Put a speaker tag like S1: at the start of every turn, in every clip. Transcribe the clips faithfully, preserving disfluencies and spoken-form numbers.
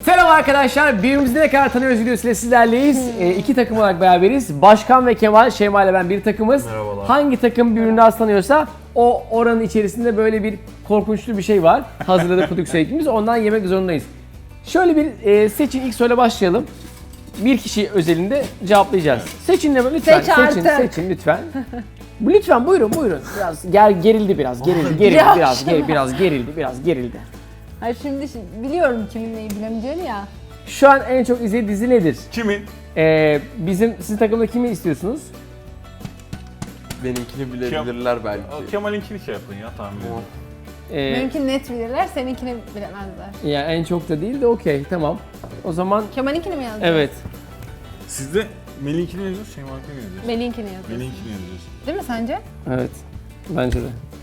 S1: Selam arkadaşlar, birbirimizi ne kadar tanıyoruz videosuyla sizlerleyiz. E, iki takım olarak beraberiz. Başkan ve Kemal, Şeyma ile ben bir takımız.
S2: Merhabalar.
S1: Hangi takım birbirini daha tanıyorsa o oranın içerisinde böyle bir korkunçlu bir şey var. Hazırladık prodüksiyon ekibimiz, ondan yemek zorundayız. Şöyle bir e, seçin, ilk soruyla başlayalım. Bir kişi özelinde cevaplayacağız. Seçin de lütfen,
S3: Seç
S1: seçin,
S3: artık.
S1: seçin lütfen. Lütfen buyurun, buyurun. Biraz ger, gerildi biraz, gerildi, gerildi
S3: Yavaş.
S1: biraz, ger, biraz gerildi, biraz gerildi.
S3: Hayır şimdi, şimdi biliyorum kimin neyi bilemeyeceğini ya.
S1: Şu an en çok izlediği dizi nedir?
S2: Kimin?
S1: Ee, bizim sizin takımda kimi istiyorsunuz?
S4: Benimkini bilebilirler belki.
S2: Kemal'inkini şey yapın ya tahmin edin.
S1: Ee,
S3: Benimkini net bilirler, seninkini bilemezler.
S1: yani en çok da değil de okey, tamam. O zaman
S3: Kemal'inkini mi yazdın?
S1: evet.
S2: Siz de Melih'inkini yazıyorsunuz, Şeyma'nkini mi yazıyorsunuz?
S3: Melih'inkini yazıyorsun.
S2: Melih'inkini yazıyorsunuz.
S3: Değil mi sence?
S1: Evet. Bence de.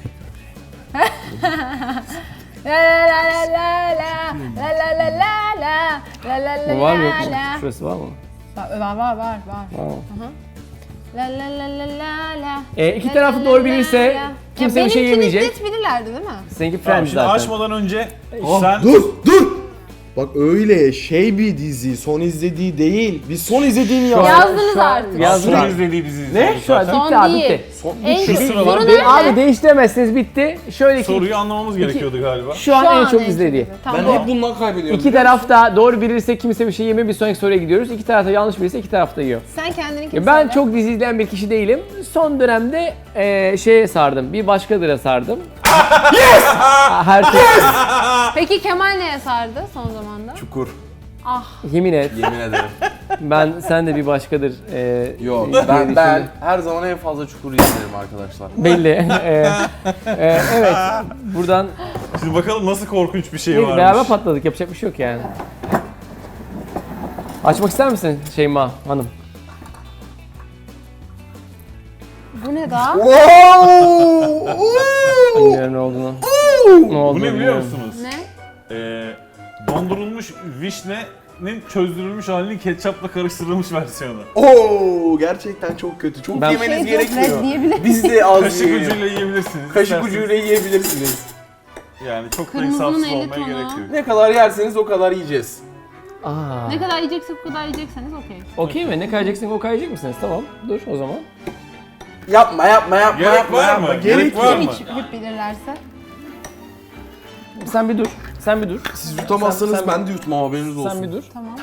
S3: La la la la la la la la la la la la la
S1: Bu var mı yok mu?
S3: la.
S1: Şurası var mı?
S3: Var var var var. var.
S1: Var mı?
S3: La la la la la la.
S1: Ee, iki
S3: La
S1: tarafı
S3: la
S1: doğru
S3: la
S1: bilirse
S3: la la.
S1: kimse
S3: Ya
S1: bir şey
S3: benimkini
S1: yemeyecek.
S3: net bilirlerdi değil mi?
S1: Seninki
S2: Tamam,
S1: Friends
S2: şimdi
S1: zaten.
S2: açmadan önce
S4: Ah,
S2: sen...
S4: dur dur. Bak öyle şey bir dizi, son izlediği değil. Biz son izlediğini
S1: Şu an-
S4: yazdık.
S3: Yazdınız
S1: şu an
S3: artık.
S1: Yazdım.
S2: Son izlediği dizi
S4: Ne?
S2: izledik
S1: Şu an
S2: zaten.
S1: bitti
S3: Son
S1: abi,
S3: değil.
S1: bitti.
S4: Son,
S3: En
S2: Şu
S3: kötü.
S2: sıralar
S3: Bunu
S2: bir-
S3: nerede?
S1: Abi değiştiremezsiniz, bitti. Şöyle ki
S2: Soruyu anlamamız gerekiyordu galiba.
S1: şu an
S3: Şu
S1: en
S3: an
S1: çok
S3: en
S1: izlediği.
S3: kötü.
S4: ben
S3: Tamam.
S4: hep bundan kaybediyorum.
S1: İki taraf da doğru bilirse kimse bir şey yemiyor, bir sonraki soruya gidiyoruz. İki taraf da yanlış bilirse iki taraf da yiyor.
S3: Sen kendininkini
S1: Ya ben
S3: söyle.
S1: çok dizi izleyen bir kişi değilim. Son dönemde eee şeye sardım, bir başkadıra sardım. Yes! Her şey,
S3: Peki Kemal neye sardı son zamanda?
S4: Çukur.
S3: Ah.
S1: yemin et.
S4: Yemin ederim.
S1: Ben sen de bir başkadır. eee
S4: Yok
S1: diye
S4: ben
S1: düşündüm.
S4: ben her zaman en fazla çukur izlerim arkadaşlar.
S1: Belli. Eee, eee, evet. Buradan
S2: Şimdi bakalım nasıl korkunç bir şey varmış.
S1: beraber patladık. Yapacak bir şey yok yani. Açmak ister misin Şeyma Hanım?
S3: Bu ne daha?
S1: Bilmiyorum ne olduğunu. Ne olduğunu
S2: Bu ne biliyor
S1: bilmiyorum.
S2: musunuz?
S3: Ne?
S2: Ee, dondurulmuş vişnenin çözdürülmüş halinin ketçapla karıştırılmış versiyonu.
S4: Oo gerçekten çok kötü. Çok
S1: Ben-
S4: yemeniz
S3: Şey diyor,
S4: gerekiyor.
S3: Fred diyebilir
S4: Biz de az
S2: Kaşık
S4: yiyelim.
S2: ucuyla yiyebilirsiniz.
S4: Kaşık
S2: isterseniz.
S4: ucuyla yiyebilirsiniz.
S2: Yani çok da
S3: Kırmızının
S2: insafsız
S3: elli
S2: olmaya
S3: tonu.
S2: gerek yok.
S4: Ne kadar yerseniz o kadar yiyeceğiz.
S1: Aa.
S3: Ne kadar yiyeceksek o kadar yiyecekseniz okey.
S1: Okey mi? Ne kayacaksın o kayacak mısınız? Tamam. Dur o zaman.
S4: Yapma yapma yapma
S2: Gerek
S4: yapma.
S2: var
S4: yapma.
S2: mı? Gerek
S4: Gerek
S2: var
S4: yok.
S2: mı?
S3: Hiç hep bilirlerse.
S1: Sen bir dur. Sen bir dur.
S4: Siz yutamazsanız
S1: Sen- sen-
S4: ben de yutmam haberiniz olsun.
S1: Sen bir dur.
S3: Tamam.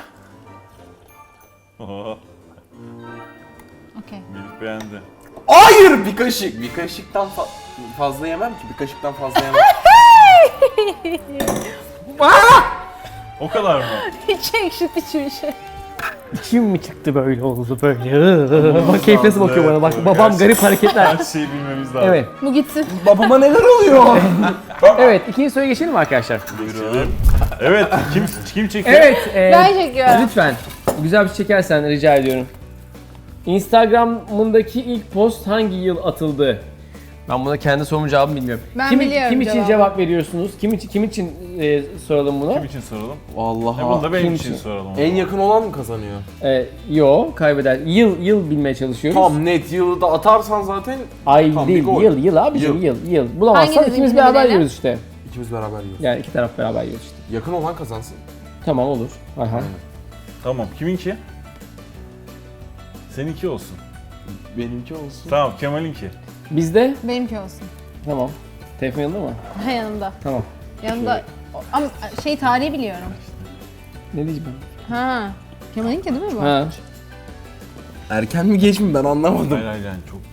S2: Oho,
S3: Okey.
S2: Melih beğendi.
S4: Hayır bir kaşık. Bir kaşıktan fa- fazla yemem ki. Bir kaşıktan fazla yemem.
S2: O kadar mı?
S3: Hiç ekşit bir şey.
S1: Kim mi çıktı böyle oldu böyle? Bak keyif nasıl bakıyor bana bak.
S2: Evet,
S1: Babam
S2: gerçekten.
S1: garip hareketler.
S2: Her şeyi bilmemiz lazım.
S1: Evet.
S3: Bu gitsin.
S4: Babama neler oluyor?
S1: Evet. ikinci soruya geçelim mi arkadaşlar?
S2: Buyurun. Evet, kim kim çekiyor?
S1: Evet. e,
S3: Ben çekiyorum.
S1: Lütfen. Güzel bir şey çekersen rica ediyorum. Instagram'ındaki ilk post hangi yıl atıldı? Ben buna kendi sorumun cevabını bilmiyorum.
S3: Ben
S1: kim,
S3: biliyorum
S1: Kim için
S3: cevabı.
S1: cevap veriyorsunuz? Kim için kim için e, soralım bunu?
S2: Kim için soralım? E
S4: Vallahi.
S2: bunu da benim
S1: kim
S2: için
S1: için?
S2: soralım.
S4: En yakın olan mı kazanıyor?
S1: E, yo, kaybeder. Yıl yıl bilmeye çalışıyoruz.
S4: Tam net yılı da atarsan zaten
S1: Ay
S4: Tam bir
S1: değil,
S4: gol.
S1: yıl yıl abicim
S4: Yıl.
S1: yıl yıl. Bulamazsan
S3: Hanginiz
S1: ikimiz
S3: ikini
S1: beraber
S3: bilelim?
S1: yiyoruz işte.
S4: ikimiz beraber yiyoruz.
S1: Yani iki taraf beraber yiyoruz işte.
S4: Yakın olan kazansın.
S1: Tamam olur. Aha.
S2: Tamam, kiminki? Seninki olsun.
S4: Benimki olsun.
S2: Tamam, Kemal'inki.
S1: Bizde
S3: Benimki olsun.
S1: tamam. Telefon yanında mı?
S3: Ha, yanımda.
S1: Tamam.
S3: Yanımda. Ama şey tarihi biliyorum.
S1: Ne diyeceğim
S3: Ha. Kemal'inki değil mi bu?
S1: ben? Ha.
S4: Erken mi geç mi ben anlamadım.
S2: Hayır hayır yani çok.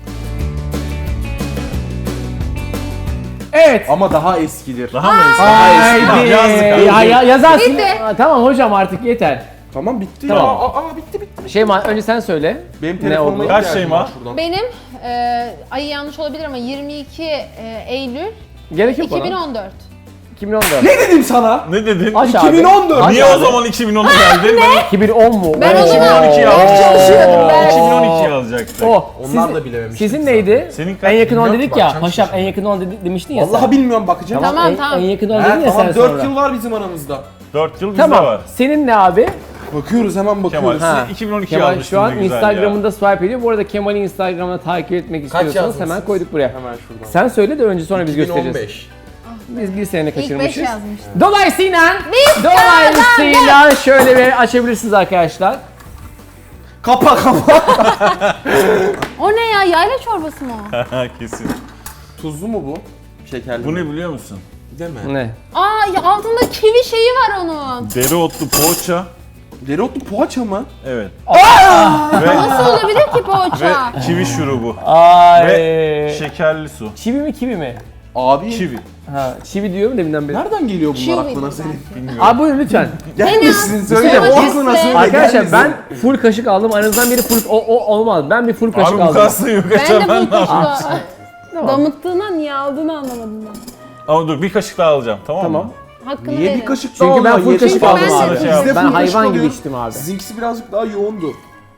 S1: Evet.
S4: Ama daha eskidir.
S2: Daha mı eski?
S1: Haydi.
S2: Tamam, yazdık abi.
S1: Ya, ya, yazarsın.
S3: Bitti.
S1: Aa, tamam hocam artık yeter.
S4: Tamam bitti
S1: Tamam.
S4: ya. Aa, aa, bitti bitti.
S1: Şeyma önce sen söyle.
S4: Benim
S1: Ne
S4: telefonuma
S1: oldu?
S2: Kaç
S4: ihtiyacım
S2: şey var?
S4: var şuradan.
S3: Benim e, ayı yanlış olabilir ama yirmi iki e, Eylül
S1: Gerek yok bana.
S3: iki bin on dört.
S1: iki bin on dört.
S4: Ne dedim sana?
S2: Ne dedin?
S1: Aç abi.
S4: iki bin on dört.
S1: Aç
S2: Niye
S1: abi.
S2: o zaman iki bin ona geldin? Ben
S1: iki bin on mu?
S3: Ben o
S1: Oo.
S3: zaman
S2: iki bin on iki
S3: çok
S2: yazdım.
S3: çalışıyordum ben.
S2: iki bin on iki yazacaktık.
S1: O.
S4: Onlar
S1: Siz-
S4: da bilememiştik
S1: Sizin
S4: zaten.
S1: neydi?
S2: Senin kaç?
S1: En yakın olan
S4: Bilmiyorum
S1: dedik
S4: ki,
S1: ya.
S4: bakacağım
S1: Paşam
S4: şimdi.
S1: en yakın olan dedi- demiştin ya
S4: Vallahi
S1: sen.
S4: bilmiyorum bakacağım.
S1: Tamam,
S3: Tamam,
S1: en,
S3: tamam.
S1: en yakın olan
S4: He,
S1: dedin ya
S4: tamam
S1: sen
S4: dört
S1: sonra.
S4: yıl var bizim aramızda.
S2: dört yıl bizde
S1: Tamam.
S2: var.
S1: Senin ne abi?
S4: Bakıyoruz hemen
S2: Kemal,
S4: bakıyoruz.
S1: Ha.
S2: siz iki bin on iki
S1: Kemal
S2: yazmıştın
S1: şu an
S2: ne güzel
S1: Instagram'ında
S2: ya.
S1: swipe ediyor. Bu arada Kemal'i Instagram'da takip etmek
S4: Kaç
S1: istiyorsanız
S4: yazdın
S1: hemen
S4: siz?
S1: koyduk buraya.
S4: Hemen şuradan.
S1: Sen söyle de önce sonra biz
S4: iki bin on
S1: göstereceğiz.
S4: beş.
S3: Ah
S1: Biz bir sene
S3: İlk beş
S1: kaçırmışız.
S3: yazmıştım.
S1: Dolayısıyla,
S3: Biz
S1: dolayısıyla şöyle bir açabilirsiniz arkadaşlar.
S4: Kapa kapa.
S3: O ne ya? Yayla çorbası mı o?
S2: Kesin.
S4: Tuzlu mu bu? Şekerli
S2: Bu
S4: mi?
S2: ne biliyor musun?
S4: Deme.
S1: Ne?
S3: Aa ya altında kivi şeyi var onun.
S2: Dereotlu poğaça.
S4: Dereotlu poğaça mı?
S2: Evet.
S3: Nasıl olabilir ki poğaça?
S2: Ve çivi şurubu.
S1: Ay.
S2: Ve şekerli su.
S1: Çivi mi kivi mi?
S4: Abi.
S2: Çivi.
S1: Ha, çivi diyorum deminden beri.
S4: Nereden geliyor bunlar
S3: Çivi
S4: aklına
S3: dedim
S4: senin?
S2: Bilmiyorum.
S1: Abi buyurun lütfen.
S4: Gelmesin söyle. O
S3: Domatesle.
S4: aklına söyle.
S1: Arkadaşlar
S4: gelmesin.
S1: ben full kaşık aldım. Aranızdan biri full o, o olmaz. Ben bir full kaşık
S2: Abi bu
S1: aldım.
S2: kastı yok
S3: Ben de
S2: açamam.
S3: bu kaşıkla
S1: Tamam.
S3: damıttığına niye aldığını anlamadım ben.
S2: Ama dur bir kaşık daha alacağım tamam mı?
S1: Tamam.
S3: Hakkını
S4: Niye
S3: verin.
S4: bir kaşık
S1: Çünkü
S4: daha
S1: ben
S4: Allah,
S1: full
S4: yeter.
S1: kaşık
S3: ben
S1: aldım
S3: de-
S1: abi.
S3: Bizde
S1: Ben
S4: full kaşık
S1: hayvan gibi
S4: alıyor.
S1: içtim abi.
S4: Sizinkisi birazcık daha yoğundu.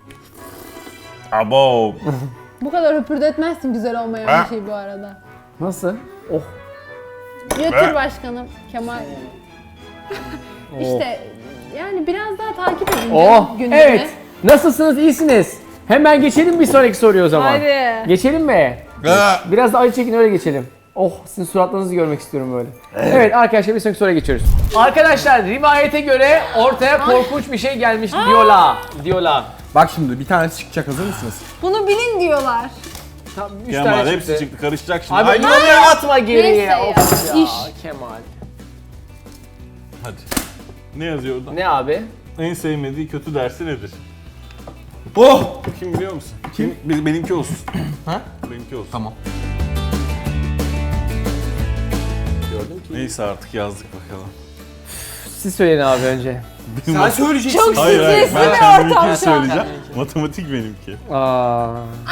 S2: Abo.
S3: Bu kadar höpürdetmezsin güzel olmayan
S2: Ha.
S3: bir şey bu arada.
S1: Nasıl? Oh.
S3: Götür başkanım Kemal.
S1: Oh.
S3: İşte yani biraz daha takip edin
S1: Oh.
S3: gündemi.
S1: Evet. Nasılsınız? İyisiniz. Hemen geçelim bir sonraki soruya o zaman.
S3: Hadi.
S1: Geçelim mi? Biraz da acı çekin öyle geçelim. Oh, sizin suratlarınızı görmek istiyorum böyle. Evet arkadaşlar bir sonraki soruya geçiyoruz. Arkadaşlar rivayete göre ortaya korkunç bir şey gelmiş diyorlar. Diyorlar.
S4: Bak şimdi bir tanesi çıkacak, hazır mısınız?
S3: Bunu bilin diyorlar.
S1: Tam üç
S2: Kemal
S1: tane
S2: hepsi
S1: çıktı.
S2: çıktı karışacak şimdi.
S1: Abi
S2: Ay,
S1: onu atma geriye.
S3: Neyse ya,
S1: Of ya.
S3: iş.
S1: Kemal.
S2: Hadi. Ne yazıyor orada?
S1: Ne abi?
S2: En sevmediği kötü dersi nedir?
S4: Oh!
S2: Kim biliyor musun? Kim? Benim- Benimki olsun.
S4: Ha?
S2: Benimki olsun.
S4: Tamam. Gördüm ki.
S2: Neyse artık yazdık bakalım.
S1: Siz söyleyin abi önce.
S4: Sen söyleyeceksin.
S3: Çok
S2: Hayır hayır
S3: stresli
S2: ben
S3: bir
S2: kendiminkini
S3: ortam şu an.
S2: söyleyeceğim. Matematik benimki.
S1: Aa.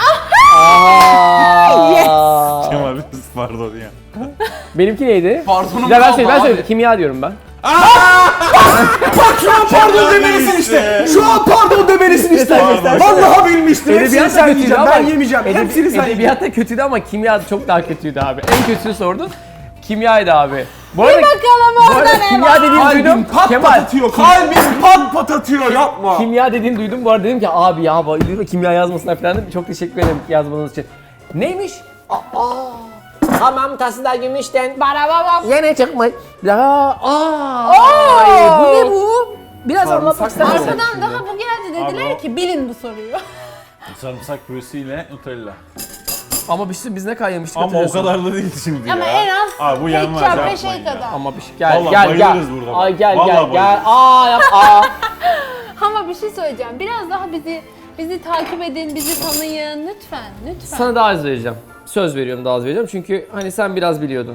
S1: Aa.
S2: Kemal pardon ya.
S1: Benimki neydi?
S4: Pardonum
S1: Bir de ben
S4: kaldı
S1: söyleyeyim, ben
S4: abi.
S1: söyleyeyim. Kimya diyorum ben.
S4: Şu an pardon
S2: Kemal
S4: demelisin
S2: işte.
S4: işte. Şu an pardon demelisin işte.
S2: Pardon.
S4: Vallahi bilmiştim. Hepsini
S1: Edebiyat da
S4: sen
S1: kötüydü
S4: yiyeceksin.
S1: ama.
S4: Ben yemeyeceğim.
S1: Edebi-
S4: Hepsini sen yiyeceksin.
S1: Edebiyat da kötüydü ama kimya çok daha kötüydü abi. En kötüsünü sordun. Kimyaydı abi. Bu arada,
S3: Bakalım
S1: bu arada
S3: orada ne
S1: kimya
S3: var?
S1: dediğini
S4: Kalbim
S1: duydum.
S4: pat pat
S1: Kemal.
S4: atıyor. Kalbim pat pat atıyor. Yapma.
S1: Kimya dediğini duydum. Bu arada dedim ki abi ya bayılıyorum kimya yazmasına falan dedim. Çok teşekkür ederim yazmanız için. Neymiş? Aa. Hamam tasında gümüşten
S3: Barababa.
S1: yine çıkmış. Ya, aa.
S3: Oo!
S1: Ay, bu ne bu? Biraz anlatmak ister misin?
S3: Arkadan daha bu geldi dediler
S2: Abi o-
S3: ki bilin bu soruyu.
S2: Sarımsak püresiyle Nutella.
S1: Ama biz, biz ne kadar yemiştik
S2: Ama o
S1: hatırlıyorsun.
S2: kadar da değil şimdi
S3: Ama
S2: ya.
S3: en az
S2: Abi bu yenmez
S3: ketçap ve
S2: yapmayın
S3: şey
S2: ya.
S3: kadar.
S1: Ama bir şey gel
S2: Vallahi
S1: gel gel.
S2: bayılırız burada.
S1: Ay gel
S2: Vallahi
S1: gel gel.
S2: bayılırız.
S1: Aa yap aa.
S3: Ama bir şey söyleyeceğim. Biraz daha bizi bizi takip edin, bizi tanıyın lütfen, lütfen.
S1: Sana daha az vereceğim. Söz veriyorum daha az vereceğim çünkü hani sen biraz biliyordun.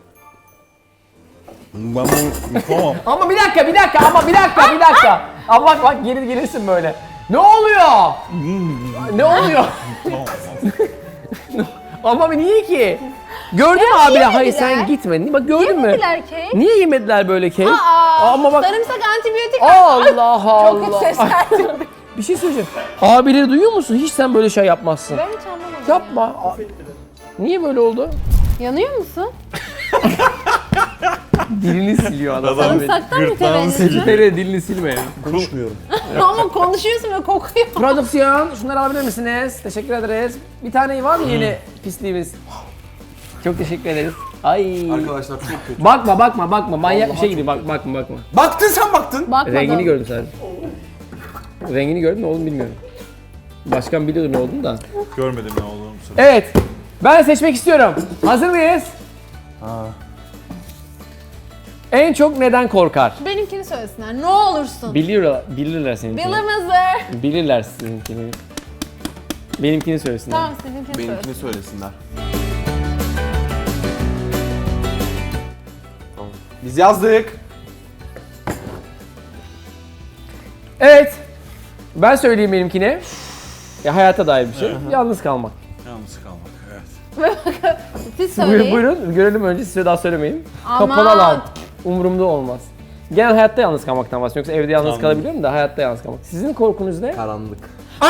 S2: Ben bunu yapamam.
S1: Ama bir dakika bir dakika ama bir dakika bir dakika. Ama bak bak gelir gelirsin böyle. Ne oluyor? Ne oluyor? Ama niye ki? Gördün mü abi?
S3: yemediler.
S1: Hayır sen gitmedin. Bak gördün mü?
S3: Yemediler kek.
S1: Niye yemediler böyle kek?
S3: Aa,
S1: Ama bak
S3: sarımsak antibiyotik.
S1: Allah Allah.
S3: Çok kötü ses geldi.
S1: Bir şey söyleyeceğim. Abileri duyuyor musun? Hiç sen böyle şey yapmazsın.
S3: Ben hiç anlamadım.
S1: Yapma. A- Niye böyle oldu?
S3: Yanıyor musun?
S1: Dilini siliyor adam.
S2: Adam
S3: Sarımsaktan
S2: gırtlağını
S3: mütevellit.
S2: siliyor.
S1: Nereye dilini silme ya.
S4: Konuşmuyorum.
S3: Ama konuşuyorsun ve kokuyor.
S1: Prodüksiyon, şunları alabilir misiniz? Teşekkür ederiz. Bir tane var mı yeni pisliğimiz? Çok teşekkür ederiz. Ay.
S4: Arkadaşlar çok kötü.
S1: Bakma bakma bakma manyak bir şey gibi bak bakma bakma.
S4: Baktın sen baktın.
S3: Bakmadım.
S1: Rengini gördüm sadece. Rengini gördüm ne olduğunu bilmiyorum. Başkan biliyordu ne olduğunu da.
S2: Görmedim ne olduğunu bu sefer.
S1: Evet. Ben seçmek istiyorum. Hazır mıyız? En çok neden korkar?
S3: Benimkini söylesinler. Ne olursun.
S1: Bilirler, bilirler seninkini.
S3: Bilemezler.
S1: Bilirler sizinkini. Benimkini söylesinler.
S3: Tamam seninkini söyle.
S4: Benimkini söylesinler. Tamam. Biz yazdık.
S1: Evet. Ben söyleyeyim benimkini. Ya hayata dair bir şey. Yalnız kalmak.
S2: Yalnız kalmak evet.
S3: Siz
S1: Buyurun,
S3: söyleyin.
S1: buyurun görelim önce size daha söylemeyin.
S3: Aman.
S1: Kapalı alan. Umurumda olmaz. Genel hayatta yalnız kalmaktan bahsediyorum. Yoksa evde yalnız
S2: Anladım.
S1: kalabiliyorum da hayatta yalnız kalmak. Sizin korkunuz ne?
S4: Karanlık.
S1: Aa!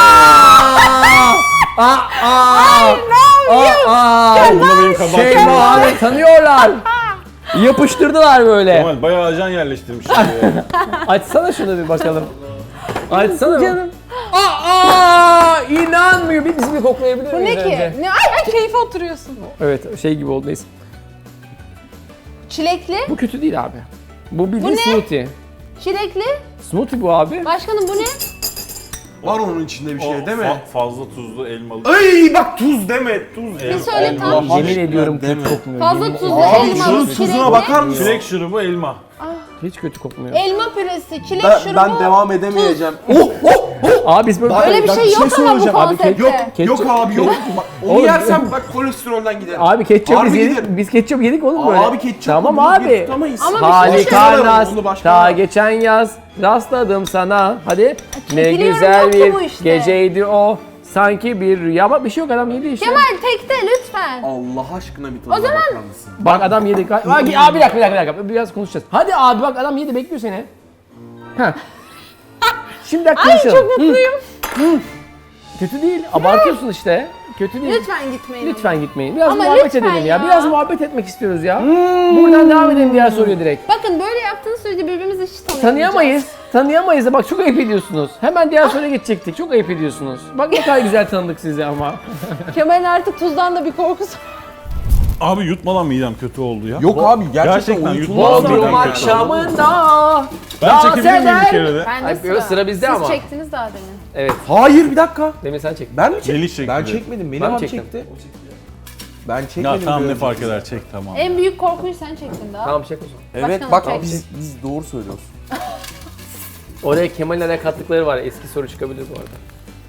S1: Aa! Aa!
S2: Bunda benim kabahatim
S1: Şey
S2: yok.
S1: abi tanıyorlar. Yapıştırdılar böyle.
S2: Kemal bayağı ajan yerleştirmiş. ya.
S1: Açsana şunu bir bakalım. Açsana. Canım. Aa! İnanmıyor. Bir bizi bir koklayabilir
S3: Bu
S1: miyiz
S3: ne ki?
S1: önce?
S3: Ne? Ay ay keyfe oturuyorsun.
S1: Evet şey gibi oldu neyse.
S3: Çilekli,
S1: Bu kötü değil abi. Bu bildiğin
S3: Bu ne?
S1: smoothie.
S3: çilekli.
S1: Smoothie bu abi.
S3: Başkanım bu ne?
S4: Var onun içinde bir
S2: O
S4: şey değil mi?
S2: fa- fazla tuzlu elmalı.
S4: Ay bak tuz deme tuz.
S3: Bir söyle tam.
S4: Allah
S1: Yemin
S4: aşkına
S1: ediyorum kötü
S4: deme.
S1: kokmuyor.
S3: Fazla
S1: Yemin-
S3: tuzlu
S4: Abi
S3: elma,
S4: şunun
S3: çilekli.
S4: tuzuna bakar mısın?
S2: Çilek şurubu elma.
S1: Hiç kötü kokmuyor.
S3: Elma püresi, çilek
S4: Ben,
S3: şurubu.
S4: ben devam edemeyeceğim. Oh oh oh.
S1: Abi biz böyle...
S3: Öyle bir
S4: Bak,
S3: şey
S4: bir
S3: yok
S4: şey
S3: ama bu
S4: söyleyeceğim abi.
S3: konsepte.
S4: Yok
S1: Ketçap-
S4: yok abi yok. Bak, onu
S1: Oğlum,
S4: yersem bak kolesterolden giderim.
S1: Abi ketçap
S4: Harbi
S1: biz yedik.
S4: giderim.
S1: Biz ketçap yedik oğlum böyle.
S4: Abi ketçap
S1: Tamam
S4: bunu bir
S1: abi.
S4: tutamayız.
S3: Ama bir şey
S1: Harika
S4: söyleyeyim.
S1: rast.
S4: Onu başka
S1: Ta
S4: ver.
S1: geçen yaz rastladım sana. Hadi. Ne
S3: Biliyorum,
S1: güzel
S3: yok ki
S1: bir
S3: bu işte.
S1: geceydi o. Sanki bir rüya ama bir şey yok adam yedi işte.
S3: Kemal tekte lütfen.
S4: Allah aşkına bir tadına
S3: O zaman-
S4: bakar mısın?
S1: Bak adam yedi. Abi, abi bir dakika bir dakika bir dakika. Biraz konuşacağız. Hadi abi bak adam yedi bekliyor seni. Heh. Şimdi dakika
S3: Ay
S1: konuşalım.
S3: çok mutluyum.
S1: Kötü değil. Abartıyorsun işte. Kötü değil.
S3: Lütfen gitmeyin.
S1: Lütfen gitmeyin. Biraz
S3: Ama
S1: muhabbet
S3: lütfen
S1: edelim ya.
S3: ya.
S1: Biraz muhabbet etmek istiyoruz ya. Buradan devam edelim diğer soruya direkt.
S3: Bakın böyle yaptığınız sürece birbirimizi hiç tanıyamayacağız.
S1: Tanıyamayız. Tanıyamayız da bak çok ayıp ediyorsunuz. Hemen diğer soruya geçecektik. Çok ayıp ediyorsunuz. Bak ne kadar güzel tanıdık sizi ama.
S3: Kemal'in artık tuzdan da bir korkusu.
S2: Abi yutmadan midem kötü oldu ya.
S4: Yok abi gerçekten,
S2: Gerçekten
S4: uyutulmaz
S2: yutmaz
S4: bir
S2: mı?
S1: Bodrum
S2: Midem kötü oldu.
S1: akşamında.
S2: Ben
S1: dans
S2: çekebilir miyim bir
S1: eder.
S2: kere de?
S3: Ben de
S1: Ay,
S3: sıra.
S1: sıra bizde
S3: Siz
S1: ama.
S3: çektiniz daha demin.
S1: Evet.
S4: Hayır bir dakika.
S1: Demin sen çektin.
S4: Ben mi çektim?
S2: Melih çekti.
S4: Ben çekmedim. Melih
S1: Ben
S4: abi
S1: çektim.
S4: çekti. Ben çekmedim.
S2: Ya tamam ne
S4: diyorum.
S2: fark eder çek tamam.
S3: En büyük korkuyu sen çektin daha.
S1: Tamam çek o zaman.
S4: Evet
S3: Başkanım
S4: bak
S3: çek.
S4: biz, biz doğru söylüyoruz.
S1: Oraya Kemal'in araya kattıkları var. Eski soru çıkabilir bu arada.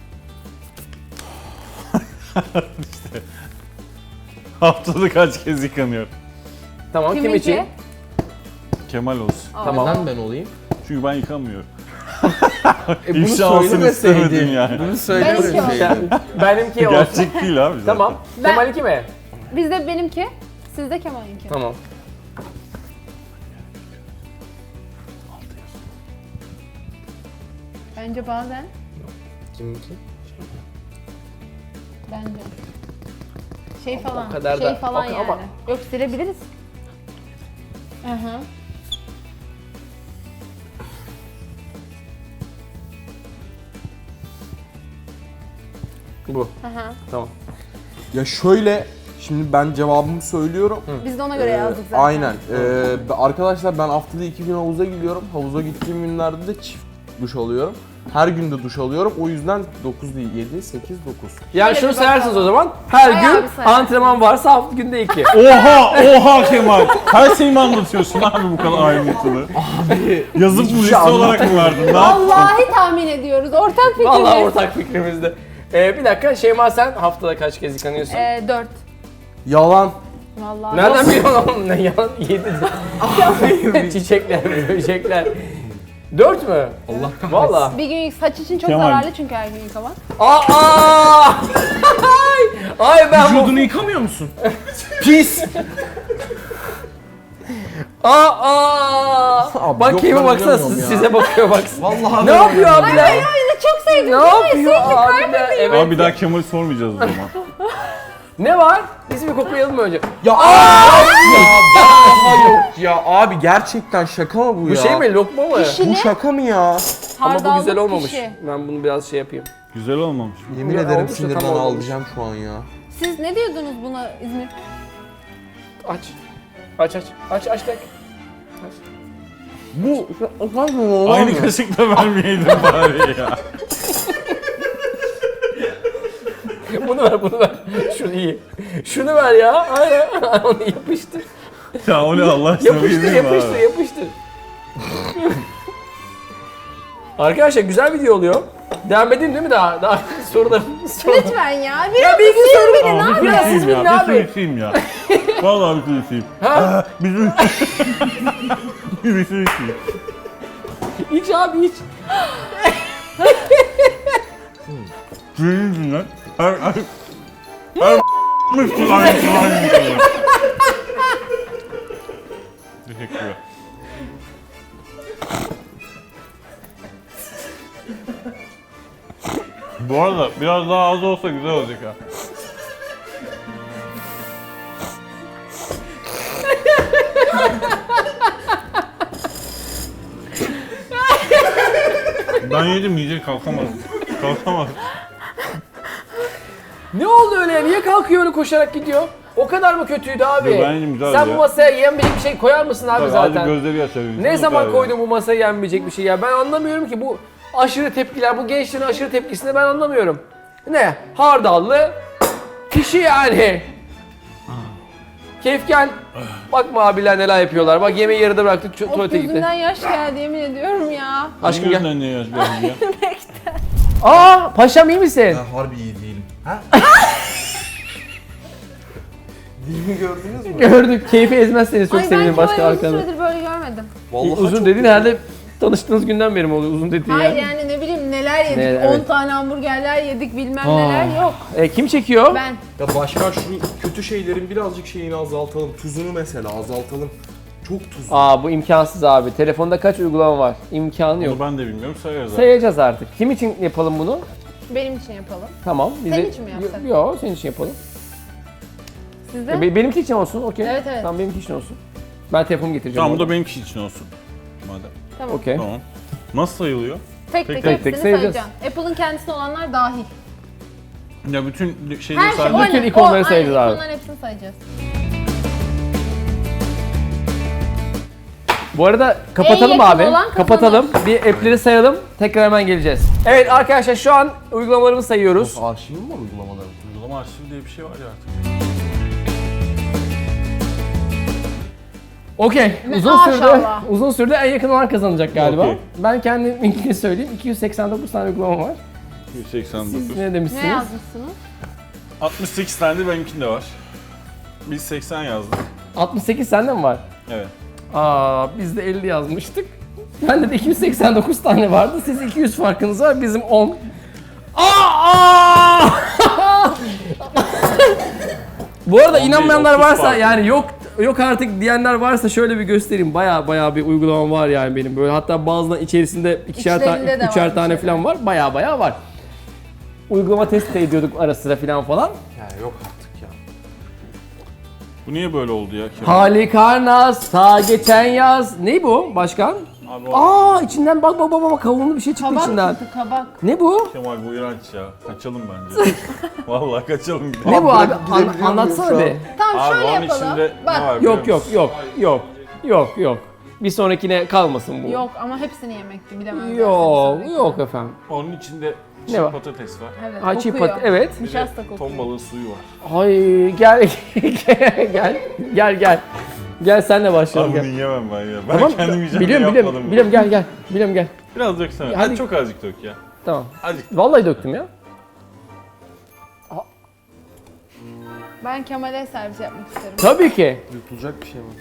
S2: Haftada kaç kez yıkanıyor?
S1: Tamam kim
S3: Kiminki?
S1: için?
S2: Kemal olsun.
S1: Tamam.
S4: Neden ben olayım?
S2: Çünkü ben yıkamıyorum.
S4: E bunu
S2: İfşa olsun
S4: söylemeseydin.
S2: istemedim yani.
S4: Bunu
S3: Ben iki
S4: söylemeseydin.
S1: Benimki olsun.
S2: Gerçek değil abi zaten.
S1: Tamam.
S3: Ben-
S1: Kemal'inki mi?
S3: Bizde benimki, sizde Kemal'inki.
S1: Tamam.
S3: Bence bazen.
S1: Kiminki?
S3: Bence. Şey falan,
S1: kadar
S3: şey
S1: da-
S3: falan
S1: o-
S3: yani.
S1: ama-
S3: Yok silebiliriz. Hı hı.
S1: Bu.
S3: Hı hı.
S1: Tamam.
S4: Ya şöyle şimdi ben cevabımı söylüyorum.
S3: Biz de ona göre
S4: Ee,
S3: yazdık zaten.
S4: Aynen. Ee, be- arkadaşlar ben haftada iki gün havuza gidiyorum. Havuza gittiğim günlerde de çift duş alıyorum. Her gün de duş alıyorum. O yüzden dokuz değil, yedi, sekiz, dokuz.
S1: Yani
S3: Şöyle
S1: şunu
S3: bir
S1: sayarsınız
S3: bakalım.
S1: o zaman. Her
S3: Bayağı
S1: gün
S3: bir sayarım.
S1: antrenman varsa hafta günde iki.
S2: Oha oha Kemal. Her şeyi mi anlatıyorsun abi bu kadar ayrıntılı?
S4: Abi
S2: Yazıp bu liste olarak mı verdin? Ne yaptın?
S3: Vallahi tahmin ediyoruz. Ortak fikrimiz.
S1: Vallahi ortak fikrimizde. Ee, bir dakika Şeyma sen haftada kaç kez yıkanıyorsun?
S3: Ee, dört.
S4: Yalan.
S3: Vallahi.
S1: Nereden biliyorsun oğlum ne yalan yedi. Çiçekler, böcekler. Dört mü?
S4: Allah kahretsin.
S1: Valla.
S3: Bir gün saç için çok
S2: Kemal.
S3: zararlı çünkü her gün yıkamak.
S1: Aa! Ay, ay ben bu.
S4: Vücudunu yıkamıyor musun? Pis.
S1: Aa!
S4: Abi,
S1: Bak
S4: yok,
S1: keyfe
S4: ben
S1: baksana
S4: inanmıyorum ya.
S1: size bakıyor baksana.
S4: Vallahi
S1: Ne
S4: ben
S1: yapıyor
S4: inanmıyorum.
S1: abiler?
S3: Ay de çok sevdim.
S1: Ne yapıyor abiler? Evet.
S2: Abi bir daha Kemal'i sormayacağız o zaman.
S1: Ne var? Biz bir koklayalım mı önce?
S4: Ya abi ya vallahi yok ya abi gerçekten şaka mı bu,
S1: Bu
S4: ya?
S1: şey mi? Lokma mı?
S3: Pişi.
S4: Bu şaka mı ya?
S1: Ama bu
S3: Hardallı
S1: güzel olmamış.
S3: pişi.
S1: Ben bunu biraz şey yapayım.
S2: Güzel olmamış.
S4: Yemin
S1: Ya,
S4: ederim
S1: olmuş da
S4: sinirden
S1: tam olmamış.
S4: ağlayacağım şu an ya.
S3: Siz ne diyordunuz buna İzmir?
S1: Aç. Aç aç. Aç aç tek.
S4: Bu
S2: Aynı kaşıkla vermeyeydin bari ya.
S1: Bunu ver bunu ver. Şunu iyi. Şunu ver ya. Aynen. Onu yapıştır.
S2: Ya o ne Allah aşkına
S1: Yapıştır
S2: bilmiyorum
S1: yapıştır
S2: abi.
S1: yapıştır. Arkadaşlar güzel video oluyor. Devam edeyim değil mi daha? Daha sorularım. sorularım.
S3: Lütfen ya.
S1: Ya
S3: Biraz
S1: bir iki soru
S3: verin
S2: Abi
S3: abi.
S1: Biraz
S2: bitireyim
S1: siz
S2: ya,
S1: bilin abi.
S2: bitireyim ya. Vallahi bitireyim.
S1: Ha?
S2: Bizim... Bitireyim.
S1: İç abi iç.
S2: Senin yüzünden her... Her... Her... Müslüman aynı aynı. Teşekkürler. Bu arada biraz daha az olsa güzel olacak ha. Ben yedim yiyecek kalkamadım. Kalkamadım.
S1: Ne oldu öyle? Niye kalkıyor öyle koşarak gidiyor? O kadar mı kötüydü abi?
S2: Yo, bence güzeldi
S1: Sen
S2: ya.
S1: bu masaya yenmeyecek bir şey koyar mısın abi
S2: Tabii,
S1: zaten?
S2: azıcık gözleri yaşarıyor.
S1: Ne zaman koydun bu masaya yenmeyecek bir şey ya? Ben anlamıyorum ki bu aşırı tepkiler, bu gençlerin aşırı tepkisini ben anlamıyorum. Ne? Hardallı kişi yani. Keyif gel. Bakma abiler neler yapıyorlar. Bak yemeği yarıda bıraktık, tu-
S3: Of
S1: tuvalete gitti.
S3: gözümden yaş geldi yemin ediyorum ya.
S1: Aşkım gel.
S2: Gözünden ne yaş geldi ya?
S1: Aa paşam iyi misin?
S4: Ben harbi iyi değilim. Ha? Dilimi gördünüz mü?
S1: Gördük. Keyfi ezmezseniz çok
S3: Ay ben
S1: sevinirim başka
S3: Kemal'i uzun
S1: arkanı.
S3: süredir böyle görmedim.
S4: Vallahi
S1: Uzun
S4: çok
S1: dediğin herhalde tanıştığınız günden beri mi oluyor uzun dediğin
S3: Hayır
S1: yani?
S3: yani ne bileyim neler yedik.
S1: Ne,
S3: on
S1: evet.
S3: tane hamburgerler yedik bilmem
S1: Aa.
S3: neler yok.
S1: E, kim çekiyor?
S3: Ben.
S4: Ya başka şu kötü şeylerin birazcık şeyini azaltalım. Tuzunu mesela azaltalım. Çok tuzlu.
S1: Aa bu imkansız abi. Telefonda kaç uygulama var? İmkanı yok.
S2: Onu ben de bilmiyorum, sayarız abi.
S1: Sayacağız artık. Kim için yapalım bunu?
S3: Benim için yapalım.
S1: Tamam.
S3: Senin için mi yapsak?
S1: Yok, senin için yapalım.
S3: Sizde?
S1: E, be- benimki için olsun, okey.
S3: Evet, evet.
S1: Tamam, benimki için olsun. Ben telefonumu getireceğim.
S2: Tamam, bu da
S1: orada.
S2: benimki için olsun. Madem.
S3: Tamam.
S1: Okey.
S2: Tamam. Nasıl sayılıyor?
S3: Tek
S2: Tek
S3: tek,
S2: tek
S3: hepsini
S1: tek sayacağız.
S3: sayacaksın. Apple'ın kendisinde olanlar dahil.
S2: Ya bütün şeyleri
S3: Her şey
S2: sadece...
S3: o
S1: Bütün
S3: ne?
S1: ikonları
S3: O,
S1: sayacağız
S3: aynen,
S1: abi.
S3: ikonların hepsini sayacağız.
S1: Bu arada kapatalım
S3: yakın
S1: abi.
S3: olan kazanır.
S1: Kapatalım. Bir app'leri sayalım. Tekrar hemen geleceğiz. Evet arkadaşlar şu an uygulamalarımızı sayıyoruz.
S4: Arşivim mi var uygulamaların?
S2: Uygulama arşivi diye bir şey var ya artık.
S1: Okey. Uzun
S3: Maşallah.
S1: sürdü. Uzun sürdü en yakın olan kazanacak galiba.
S2: Okey.
S1: Ben kendiminkini söyleyeyim. iki yüz seksen dokuz tane uygulama var.
S2: yüz seksen dokuz.
S1: Siz ne demişsiniz?
S3: Ne yazmışsınız?
S2: altmış sekiz tane de benimkinde var. Biz seksen yazdık.
S1: altmış sekiz sende mi var?
S2: Evet.
S1: Aa biz de elli yazmıştık. Bende de iki yüz seksen dokuz tane vardı. Siz iki yüz farkınız var. Bizim on. Aa! Bu arada
S2: on değil,
S1: inanmayanlar
S2: otuz
S1: varsa
S2: farklı.
S1: yani yok yok artık diyenler varsa şöyle bir göstereyim. Baya baya bir uygulamam var yani benim böyle. Hatta bazılarının içerisinde ikişer
S3: İçlerinde
S1: tane,
S3: de
S1: üçer
S3: var
S1: tane
S3: bir şeyler.
S1: falan var. Baya baya var. Uygulama test de ediyorduk ara sıra falan falan.
S4: Ya yok artık ya.
S2: Bu niye böyle oldu ya Kemal?
S1: Halikarnas ta geçen yaz. Ne bu başkan?
S2: Abi o
S1: Aa içinden bak bak bak bak kavunlu bir şey çıktı
S3: Kabak
S1: içinden.
S3: çıktı kabak.
S1: Ne bu?
S2: Kemal bu iğrenç ya. Kaçalım bence. Vallahi kaçalım. gidelim.
S1: Ne bu abi?
S4: bırakıp
S1: An-
S4: gidebiliyor muyum
S1: anlatsana
S4: şu an?
S1: bir.
S3: Tamam
S2: Abi
S3: şöyle
S2: onun
S3: yapalım.
S2: içinde
S3: Bak
S2: ne var biliyor
S1: Yok yok
S2: musun?
S1: yok yok yok yok bir sonrakine kalmasın bu.
S3: yok ama hepsini yemekti bilemem.
S1: Yok yok efendim.
S2: Onun içinde
S1: Ne
S2: çiğ
S1: var?
S2: patates var.
S3: Evet,
S1: Ha, çiğ
S3: kokuyor.
S1: pat- evet.
S2: Bir de
S3: Nişasta kokuyor.
S2: ton balığı suyu var.
S1: Ay gel gel gel gel. Gel senle başlayalım
S2: Abi bunu
S1: gel.
S2: yiyemem ben ya. Ben
S1: Tamam.
S2: kendim yiyeceğim
S1: Biliyorum
S2: diye
S1: biliyorum
S2: yapmadım.
S1: biliyorum gel gel. Biliyorum gel.
S2: Biraz döksene.
S1: Ya
S2: Hadi.
S1: hadi.
S2: Çok azıcık dök ya.
S1: Tamam.
S2: Azıcık.
S1: Vallahi döktüm ya.
S3: Ben Kemal'e servis yapmak isterim.
S1: Tabii ki.
S4: Yutulacak bir şey mi?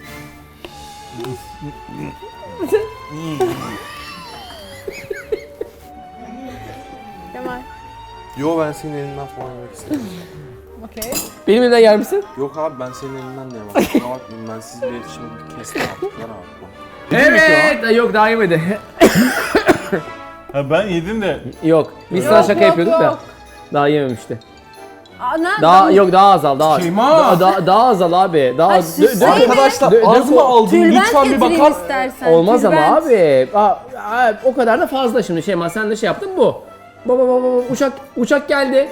S3: Kemal.
S4: Yo ben senin elinden falan yemek istemiyorum.
S3: Okey.
S1: Benimle de yer misin?
S4: Yok abi ben senin elinden de yemem. Kusura bakmayın ben siz bir iletişim kestim artık. Ver abi.
S1: Evet. Ay, Yok daha yemedi.
S2: Ha ben yedim de
S1: Yok. Biz sana
S3: Yok,
S1: şaka
S3: yok,
S1: yapıyorduk da.
S3: yok.
S1: Daha yememişti.
S3: Ana,
S1: Daha yok daha azal daha.
S4: Şeyma!
S1: Daha, daha, daha azal abi. Daha
S3: Ay,
S1: dö-
S3: sus,
S1: dö-
S4: Arkadaşlar
S1: Dö- dö-
S4: az mı aldım?
S3: Tülbent
S4: Lütfen bir
S3: getireyim
S4: bakar.
S3: istersen.
S1: Olmaz ama
S3: tülbent.
S1: abi. Aa, aa, o kadar da fazla şimdi Şeyma sen de şey yaptın bu. Baba baba baba uçak uçak geldi.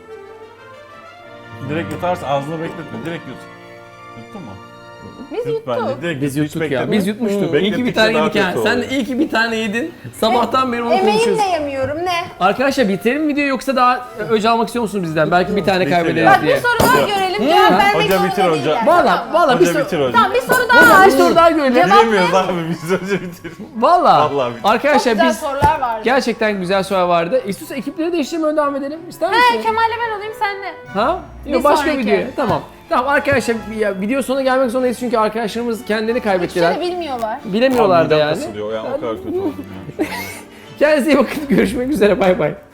S2: direkt yutarsın, ağzına bekletme. Direkt yut. Yuttun mu?
S3: Biz
S2: Yut bence.
S3: yuttuk.
S2: Direkt
S1: Biz
S2: yut, hiç
S1: yuttuk ya.
S2: bekletme.
S1: Biz yutmuştuk.
S2: Hı,
S1: İyi ki bir
S2: beklettikçe
S1: tane
S2: daha
S1: yedik ha.
S2: kötü
S1: Sen de
S2: oluyor.
S1: iyi ki bir tane yedin. Sabahtan beri onu
S3: Emeğimle
S1: konuşuyoruz.
S3: yemiyorum ne?
S1: Arkadaşlar bitirelim mi videoyu yoksa daha öc almak istiyor musunuz bizden? Belki bir tane
S2: Bitir
S1: kaybederiz
S2: ya.
S3: Bak bir
S1: diye.
S3: soru daha görelim. Cevap vermek
S2: Hoca
S3: zorunda
S2: bitir hoca.
S3: değiller.
S1: Valla
S3: Tamam.
S1: valla bir
S2: Hoca
S1: soru.
S2: bitir hocam.
S3: Tamam bir soru daha var.
S1: Bir soru daha görelim.
S3: Cevap
S2: Bilemiyoruz
S3: ne?
S2: abi biz önce bitir.
S1: Valla.
S2: Vallahi bitir.
S3: Çok
S1: Arkadaşlar
S3: güzel
S1: biz
S3: sorular vardı.
S1: gerçekten güzel sorular vardı. İstiyorsa ekipleri değiştirmeye devam edelim. İster misin?
S3: He Kemal'le ben olayım sen de.
S1: Ha?
S3: Bir
S1: Yok başka
S3: sonraki.
S1: video. Tamam. Tamam arkadaşlar ya, video sonuna gelmek zorundayız çünkü arkadaşlarımız kendini kaybettiler.
S3: Hiçbir şey bilmiyorlar.
S1: Bilemiyorlar da
S2: Midem
S1: yani.
S2: kasılıyor yani o kadar kötü oldum ya.
S1: Kendinize iyi bakın. Görüşmek üzere. Bay bay.